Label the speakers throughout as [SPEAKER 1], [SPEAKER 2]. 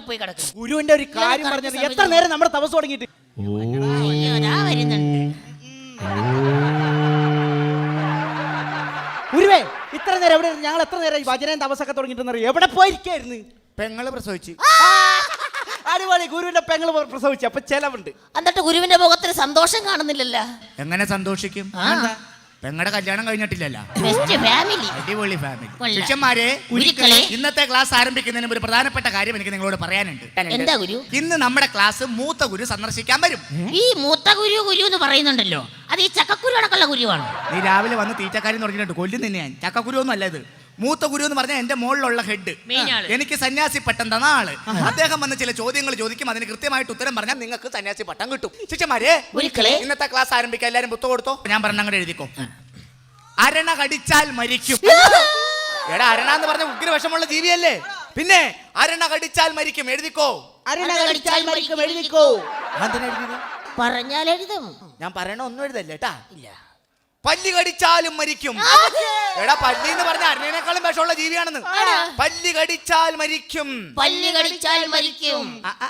[SPEAKER 1] എവിടെ പോയി കിടക്കും?
[SPEAKER 2] ഗുരുവിന്റെ ഒരു കാര്യം പറഞ്ഞത് എത്ര നേരം നമ്മുടെ തപസ് തുടങ്ങിയിട്ട്. ഗുരുവേ ഇത്ര നേരം എവിടെ? ഞങ്ങൾ എത്ര നേരം ഭജനയും തപസ്സൊക്കെ തുടങ്ങിയിട്ടെന്നറിയോ? എവിടെ പോയിരിക്കായിരുന്നു?
[SPEAKER 3] പെങ്ങള് പ്രസവിച്ചു.
[SPEAKER 2] അടിപൊളി. ഗുരുവിന്റെ പെങ്ങള് പ്രസവിച്ചു. അപ്പൊ ചെലവുണ്ട്.
[SPEAKER 1] എന്നിട്ട് ഗുരുവിന്റെ മുഖത്തിന് സന്തോഷം കാണുന്നില്ലല്ലോ.
[SPEAKER 3] എങ്ങനെ സന്തോഷിക്കും? പെങ്ങളുടെ കല്യാണം കഴിഞ്ഞിട്ടില്ലല്ലോ. അടിപൊളി ഫാമിലി. ശിഷ്യന്മാരെ, ഇന്നത്തെ ക്ലാസ് ആരംഭിക്കുന്നതിന് ഒരു പ്രധാനപ്പെട്ട കാര്യം എനിക്ക് നിങ്ങളോട് പറയാനുണ്ട്.
[SPEAKER 1] എന്താ ഗുരു?
[SPEAKER 3] ഇന്ന് നമ്മുടെ ക്ലാസ് മൂത്ത ഗുരു സന്ദർശിക്കാൻ വരും.
[SPEAKER 1] ഈ മൂത്ത ഗുരു ഗുരു എന്ന് പറയുന്നുണ്ടല്ലോ, അത് ഈ ചക്കക്കുരു അടക്കമുള്ള ഗുരുവാണ്.
[SPEAKER 3] നീ രാവിലെ വന്ന് തീറ്റക്കാരി തുടങ്ങിയിട്ടുണ്ട്. കൊല്ലും നിന്നെ ഞാൻ. ചക്കക്കുരു ഒന്നും അല്ല ഇത്. മൂത്ത ഗുരു എന്ന് പറഞ്ഞാൽ എന്റെ മുകളിലുള്ള ഹെഡ്, എനിക്ക് സന്യാസി പട്ടം തന്ന ആള്. അദ്ദേഹം വന്ന് ചില ചോദ്യങ്ങൾ ചോദിക്കും. അതിന് കൃത്യമായിട്ട് ഉത്തരം പറഞ്ഞാൽ നിങ്ങൾക്ക് സന്യാസി പട്ടം കിട്ടും. ശിഷ്യന്മാരെ, ഇന്നത്തെ ക്ലാസ് ആരംഭിക്കാൻ എല്ലാരും പുസ്തകം കൊടുത്തോ. ഞാൻ പറഞ്ഞ അങ്ങോട്ട് എഴുതിക്കോ. അരണ കടിച്ചാൽ മരിക്കും. എടാ, അരണ എന്ന് പറഞ്ഞ ഉഗ്രവിഷമുള്ള ജീവിയല്ലേ? പിന്നെ അരണ കടിച്ചാൽ മരിക്കും. എഴുതിക്കോ.
[SPEAKER 2] അരണ കടിച്ചാൽ മരിക്കും. എഴുതിക്കോ.
[SPEAKER 1] പറഞ്ഞാൽ എഴുതും.
[SPEAKER 3] ഞാൻ പറയണ ഒന്നും എഴുതല്ലേ കേട്ടാ. ഇല്ല. പല്ലി കടിച്ചാലും മരിക്കും. എടാ, പല്ലി എന്ന് പറഞ്ഞ അരണേക്കാളും വിഷമുള്ള ജീവിയാണെന്ന്. പല്ലി കടിച്ചാൽ മരിക്കും.
[SPEAKER 1] പല്ലി കടിച്ചാൽ മരിക്കും.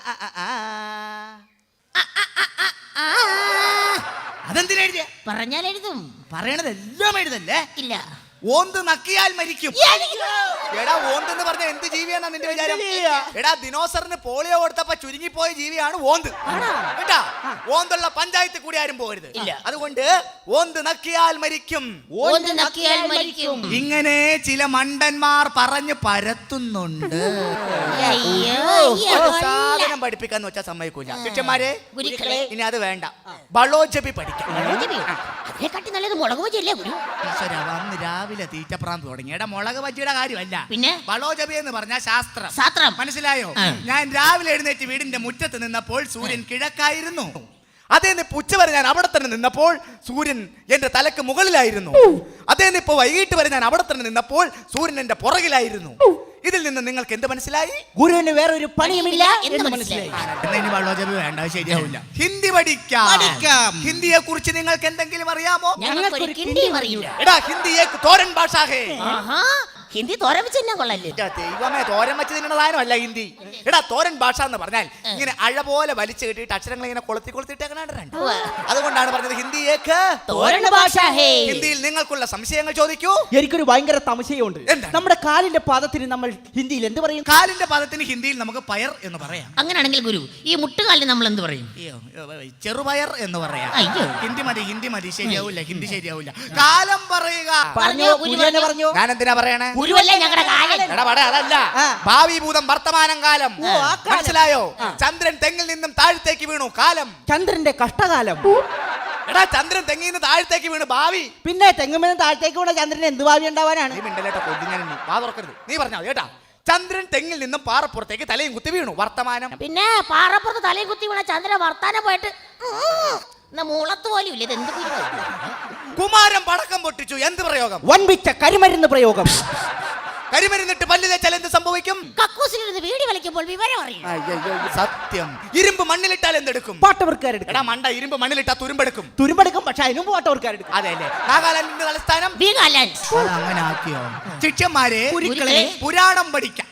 [SPEAKER 3] അതെന്തിനാ എഴുതിയ?
[SPEAKER 1] പറഞ്ഞാൽ എഴുതും.
[SPEAKER 3] പറയണതെല്ലാം എഴുതല്ലേ?
[SPEAKER 1] ഇല്ല.
[SPEAKER 3] ഓന്ത് നക്കിയാൽ മരിക്കും. എടാ, ഓന്ത് എന്ന് പറഞ്ഞ എന്ത് ജീവിയാണെന്നാ നിന്റെ വിചാരം? എടാ, ദിനോസറിന് പോളിയോ കൊടുത്തപ്പോ ചുരുങ്ങിപ്പോയ ജീവിയാണ് ഓന്ത് കേട്ടാ. ഓന്തുള്ള പഞ്ചായത്ത് കൂടി ആരും പോകരുത്. അതുകൊണ്ട് ഓന്ത് നക്കിയാൽ മരിക്കും.
[SPEAKER 1] ഓന്ത് നക്കിയാൽ മരിക്കും.
[SPEAKER 3] ഇങ്ങനെ ചില മണ്ടന്മാർ പറഞ്ഞു പരത്തുന്നുണ്ട്. സാധനം പഠിപ്പിക്കാന്ന് വെച്ചാൽ സമ്മതിക്കൂല. ശിഷ്യന്മാരെ, ഇനി അത് വേണ്ട. ബളോജപി പഠിക്കാം.
[SPEAKER 1] അതിനെക്കാട്ടി നല്ലത് മുളക് ബജിയല്ലേ ഗുരു?
[SPEAKER 3] ഈശ്വര, വന്ന് രാവിലെ തീറ്റപ്രാന്ത് തുടങ്ങി. എടാ, മുളക് ബജിയുടെ കാര്യമല്ല,
[SPEAKER 1] പിന്നെ
[SPEAKER 3] ബളോജപി എന്ന് പറഞ്ഞ ശാസ്ത്രം. മനസ്സിലായോ? ഞാൻ രാവിലെ എഴുന്നേറ്റ് വീടിന്റെ മുറ്റത്ത് നിന്നപ്പോൾ സൂര്യൻ കിഴക്കായിരുന്നു. അതേ ഉച്ച വരെ ഞാൻ അവിടെ തന്നെ നിന്നപ്പോൾ സൂര്യൻ എന്റെ തലക്ക് മുകളിലായിരുന്നു. അതേ ഇപ്പൊ വൈകിട്ട് വരെ ഞാൻ അവിടെ തന്നെ നിന്നപ്പോൾ സൂര്യൻ എന്റെ പുറകിലായിരുന്നു. ഇതിൽ നിന്ന് നിങ്ങൾക്ക് എന്ത് മനസ്സിലായി?
[SPEAKER 2] ഗുരുവിന് വേറെ ഒരു പണിയുമില്ല എന്ന് മനസ്സിലായി.
[SPEAKER 3] ബളോജപി വേണ്ട, ശരിയാവില്ല. ഹിന്ദി പഠിക്കാം. ഹിന്ദിയെ കുറിച്ച് നിങ്ങൾക്ക് എന്തെങ്കിലും അറിയാമോ? എടാ, ഹിന്ദി തോരൻ ഭാഷ.
[SPEAKER 1] ഹിന്ദി തോരൻ വെച്ച് തന്നെ കൊള്ളല്ലേ?
[SPEAKER 3] ദൈവമേ, തോരൻ വെച്ച് തിന്നുന്ന സാധനമല്ല ഹിന്ദി. എടാ, തോരൻ ഭാഷ എന്ന് പറഞ്ഞാൽ ഇങ്ങനെ അഴ പോലെ വലിച്ചു കെട്ടിയിട്ട് അക്ഷരങ്ങൾ ഇങ്ങനെ കൊളുത്തിട്ടേക്കണുണ്ട്. അതുകൊണ്ടാണ് പറഞ്ഞത് ഹിന്ദിയേക്ക്
[SPEAKER 1] തോരൻ ഭാഷ.
[SPEAKER 3] ഹിന്ദിയിൽ നിങ്ങൾക്കുള്ള സംശയങ്ങൾ ചോദിക്കൂ.
[SPEAKER 2] എനിക്കൊരു ഭയങ്കര സംശയമുണ്ട്. നമ്മുടെ കാലിന്റെ പാദത്തിന് നമ്മൾ ഹിന്ദിയിൽ എന്ത് പറയും?
[SPEAKER 3] കാലിന്റെ പാദത്തിന് ഹിന്ദിയിൽ നമുക്ക് പയർ എന്ന് പറയാം.
[SPEAKER 1] അങ്ങനെയാണെങ്കിൽ ഗുരു, ഈ മുട്ടുകാലിന് നമ്മൾ എന്ത് പറയും?
[SPEAKER 3] ചെറുപയർ എന്ന് പറയാം. ഹിന്ദി മതി. ശരിയാവില്ല, ഹിന്ദി ശരിയാവില്ല. കാലം പറയുക. ഞാൻ എന്തിനാ പറയണേ? അതല്ല, ഭാവി ഭൂതം വർത്തമാനം കാലം. മനസ്സിലായോ? ചന്ദ്രൻ തെങ്ങിൽ നിന്നും താഴത്തേക്ക് വീണു. കാലം.
[SPEAKER 2] ചന്ദ്രന്റെ കഷ്ടകാലം.
[SPEAKER 3] എടാ, ചന്ദ്രൻ തെങ്ങിൽ നിന്ന് താഴത്തേക്ക് വീണു. ഭാവി.
[SPEAKER 2] പിന്നെ തെങ്ങുമെന്ന് താഴത്തേക്ക് വീണ ചന്ദ്രൻ എന്ത് ഭാവി ഉണ്ടാവാനാണ്?
[SPEAKER 3] നീ പറഞ്ഞോ കേട്ടാ. ചന്ദ്രൻ തെങ്ങിൽ നിന്നും പാറപ്പുറത്തേക്ക് തലയും കുത്തി വീണു. വർത്തമാനം.
[SPEAKER 1] പിന്നെ പാറപ്പുറത്ത് തലയും കുത്തി വീണ ചന്ദ്രൻ വർത്താനം പോയിട്ട് മൂളത്ത് പോലും ഇല്ല. ഇത് എന്ത്?
[SPEAKER 3] കുമാരൻ പടക്കം പൊട്ടിച്ചു. എന്ത് പ്രയോഗം?
[SPEAKER 2] വൻപിച്ച കരിമരുന്ന് പ്രയോഗം.
[SPEAKER 3] കരിമരുന്നിട്ട് പല്ല് തേച്ചാൽ എന്ത് സംഭവിക്കും?
[SPEAKER 1] കക്കൂസിലിരുന്ന് വീടി വലിക്കുമ്പോൾ വിവരം അറിയും.
[SPEAKER 3] സത്യം. ഇരുമ്പ് മണ്ണിലിട്ടാൽ എന്തെടുക്കും?
[SPEAKER 2] പാട്ടവർക്കാരെടുക്കും.
[SPEAKER 3] എടാ മണ്ട, ഇരുമ്പ് മണ്ണിലിട്ടാൽ തുരുമ്പെടുക്കും.
[SPEAKER 2] പക്ഷെ അതിനും പാട്ടവർക്കാരെടുക്കും.
[SPEAKER 3] അതെല്ലേ? നാഗാലാൻഡിന്റെ തലസ്ഥാനം അങ്ങനെ ആക്കിയോ? ശിഷ്യന്മാരെ, പുരാണം പഠിക്കാം.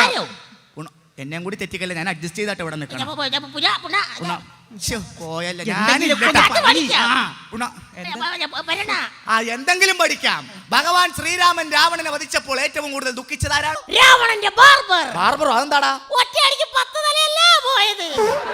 [SPEAKER 3] എന്നെ കൂടി തെറ്റിക്കല്ലേ, ഞാൻ അഡ്ജസ്റ്റ് ചെയ്താട്ട് ഇവിടെ നിൽക്കണം. എന്തെങ്കിലും പഠിക്കാം. ഭഗവാൻ ശ്രീരാമൻ രാവണനെ വധിച്ചപ്പോൾ ഏറ്റവും കൂടുതൽ ദുഃഖിച്ചതാരാണ്?
[SPEAKER 1] രാവണന്റെ
[SPEAKER 3] ബാർബറോ? അതെന്താടാ?
[SPEAKER 1] ഒറ്റയടിക്ക് 10 തലയല്ലേ പോയത്.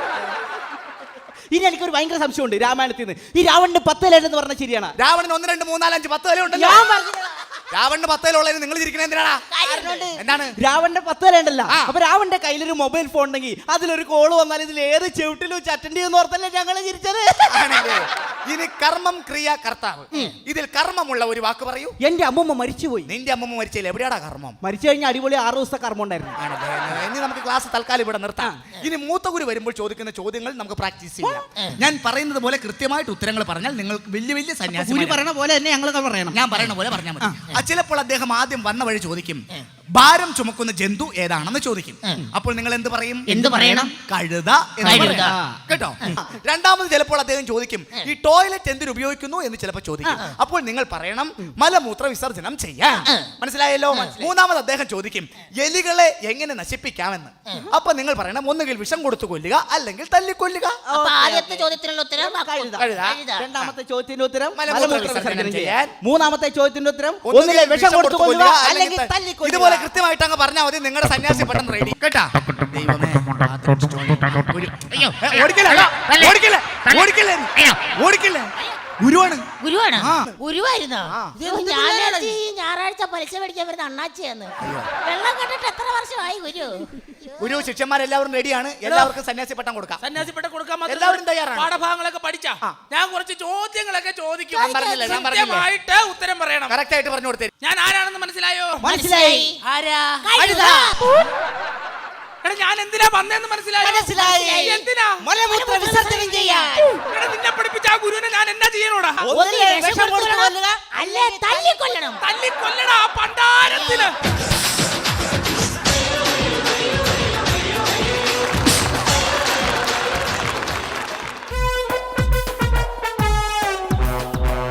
[SPEAKER 2] ഇനി എനിക്കൊരു ഭയങ്കര സംശയമുണ്ട് രാമായണത്തിൽ നിന്ന്. ഈ രാവണന് 10 തല എന്ന് പറഞ്ഞാൽ ശരിയാണ്?
[SPEAKER 3] രാവണന് 1 2 3 4 5 10 തല ഉണ്ടല്ലോ. രാവണന് 10 തലയുള്ളതിന് നിങ്ങൾ ഇരിക്കണേ എന്തിനാണ്? എന്താണ്?
[SPEAKER 2] രാവണന്റെ 10 തല ഉണ്ടല്ലോ. അപ്പൊ രാവണന്റെ കയ്യിലൊരു മൊബൈൽ ഫോൺ ഉണ്ടെങ്കിൽ അതിലൊരു കോള് വന്നാൽ ഇതിൽ ഏത് ചെവിട്ടിലും അറ്റൻഡ് ചെയ്യുന്ന ഓർത്തല്ലേ ഞങ്ങൾ ചിരിച്ചത്.
[SPEAKER 3] ഇനി കർമ്മം ക്രിയ കർത്താവ്. ഇതിൽ കർമ്മമുള്ള ഒരു വാക്ക് പറയൂ.
[SPEAKER 2] എന്റെ അമ്മൂമ്മ മരിച്ചുപോയി.
[SPEAKER 3] നിന്റെ അമ്മൂമ്മ മരിച്ചില്ല. എവിടെയാടാ കർമ്മം?
[SPEAKER 2] മരിച്ചു കഴിഞ്ഞാൽ അടിപൊളി 6 ദിവസത്തെ കർമ്മം ഉണ്ടായിരുന്നു.
[SPEAKER 3] ഇനി നമുക്ക് ക്ലാസ് തൽക്കാലം ഇവിടെ നിർത്താം. ഇനി മൂത്ത ഗുരു വരുമ്പോൾ ചോദിക്കുന്ന ചോദ്യങ്ങൾ നമുക്ക് പ്രാക്ടീസ് ചെയ്യാം. ഞാൻ പറയുന്നത് പോലെ കൃത്യമായിട്ട് ഉത്തരങ്ങൾ പറഞ്ഞാൽ നിങ്ങൾക്ക് വലിയ വലിയ സന്യാസി
[SPEAKER 2] പറയുന്ന പോലെ തന്നെ ഞങ്ങൾ പറയണം.
[SPEAKER 3] ഞാൻ പറയുന്ന പോലെ പറഞ്ഞാൽ മതി. ചിലപ്പോൾ അദ്ദേഹം ആദ്യം വന്ന വഴി ചോദിക്കും, ഭാരം ചുമക്കുന്ന ജന്തു ഏതാണെന്ന് ചോദിക്കും. അപ്പോൾ നിങ്ങൾ എന്ത് പറയും?
[SPEAKER 1] എന്ത് പറയണം?
[SPEAKER 3] കഴുത എന്ന്
[SPEAKER 1] കഴുത.
[SPEAKER 3] പറയണം. കേട്ടോ? രണ്ടാമത് ചിലപ്പോൾ അദ്ദേഹം ചോദിക്കും ഈ ടോയ്ലറ്റ് എന്തിനു ഉപയോഗിക്കുന്നു എന്ന് ചിലപ്പോൾ ചോദിക്കും. അപ്പോൾ നിങ്ങൾ പറയണം മലമൂത്ര വിസർജനം ചെയ്യാൻ. മനസ്സിലായല്ലോ? മൂന്നാമത് അദ്ദേഹം ചോദിക്കും എലികളെ എങ്ങനെ നശിപ്പിക്കാമെന്ന്. അപ്പൊ നിങ്ങൾ പറയണം ഒന്നുകിൽ വിഷം കൊടുത്തു കൊല്ലുക അല്ലെങ്കിൽ തല്ലിക്കൊല്ലുക.
[SPEAKER 1] അപ്പൊ ആദ്യത്തെ ചോദ്യത്തിനുള്ള ഉത്തരം
[SPEAKER 2] കഴുത.
[SPEAKER 3] കഴുത.
[SPEAKER 2] രണ്ടാമത്തെ ചോദ്യത്തിന്റെ ഉത്തരം
[SPEAKER 3] മലമൂത്ര
[SPEAKER 2] മലമൂത്ര
[SPEAKER 3] വിസർജനം
[SPEAKER 2] വിസർജനം
[SPEAKER 3] ചെയ്യാൻ.
[SPEAKER 2] ചെയ്യാൻ. മൂന്നാമത്തെ ചോദ്യത്തിന്റെ ഉത്തരം
[SPEAKER 3] ഒന്നുകിൽ
[SPEAKER 2] ഒന്നുകിൽ വിഷം കൊടുത്തു കൊല്ലുക അല്ലെങ്കിൽ
[SPEAKER 3] ഇതുപോലെ
[SPEAKER 2] തല്ലിക്കൊല്ലുക.
[SPEAKER 3] കൃത്യമായിട്ട് അങ്ങ് പറഞ്ഞാൽ മതി. നിങ്ങളുടെ സന്യാസി പെട്ടെന്ന് റെഡി. കേട്ടാ? ദൈവമേ, ഓടിക്കല്ലേ ഗുരുവാണ്.
[SPEAKER 1] ഗുരുവാണ്.
[SPEAKER 3] ആ.
[SPEAKER 1] ഗുരുവായിരുന്നോ? ഞായറാഴ്ച പലിശ മേടിക്കാൻ വരുന്ന അണ്ണാച്ചിയാന്ന്. വെള്ളം കണ്ടിട്ട് എത്ര വർഷമായി ഗുരു?
[SPEAKER 3] ഗുരു ശിഷ്യന്മാരെല്ലാവരും റെഡിയാണ്. എല്ലാവർക്കും സന്യാസി പട്ടം കൊടുക്കാം.
[SPEAKER 4] സന്യാസിപ്പെട്ട കൊടുക്കാൻ മാത്രം
[SPEAKER 3] എല്ലാവരും തയ്യാറാണ്.
[SPEAKER 4] പാഠഭാഗങ്ങളൊക്കെ പഠിച്ചാ ഞാൻ കുറച്ച് ചോദ്യങ്ങളൊക്കെ ചോദിക്കും.
[SPEAKER 3] ഞാൻ പറഞ്ഞില്ലേ?
[SPEAKER 4] കൃത്യമായിട്ട് ഉത്തരം പറയണം.
[SPEAKER 3] കറക്റ്റ് ആയിട്ട് പറഞ്ഞു കൊടുത്തേ.
[SPEAKER 4] ഞാൻ ആരാണെന്ന് മനസ്സിലായോ?
[SPEAKER 2] മനസ്സിലായി.
[SPEAKER 4] ആരാ?
[SPEAKER 1] കഴുത.
[SPEAKER 4] എടാ ഞാൻ എന്തിനാ വന്നേന്ന് മനസ്സിലായോ?
[SPEAKER 2] മനസ്സിലായി.
[SPEAKER 4] എന്തിനാ?
[SPEAKER 2] മലമൂത്ര വിസർജനം ചെയ്യാൻ.
[SPEAKER 4] എടാ നിന്നെ പഠിപ്പിച്ച ആ ഗുരുവിനെ ഞാൻ എന്നാ ചെയ്യണോടാ?
[SPEAKER 2] ഒന്നുകിൽ വിഷം കൊടുത്തു കൊല്ലുക
[SPEAKER 1] അല്ലേ തല്ലിക്കൊല്ലണം.
[SPEAKER 4] തല്ലിക്കൊല്ലടാ ആ പണ്ടാരത്തിന്.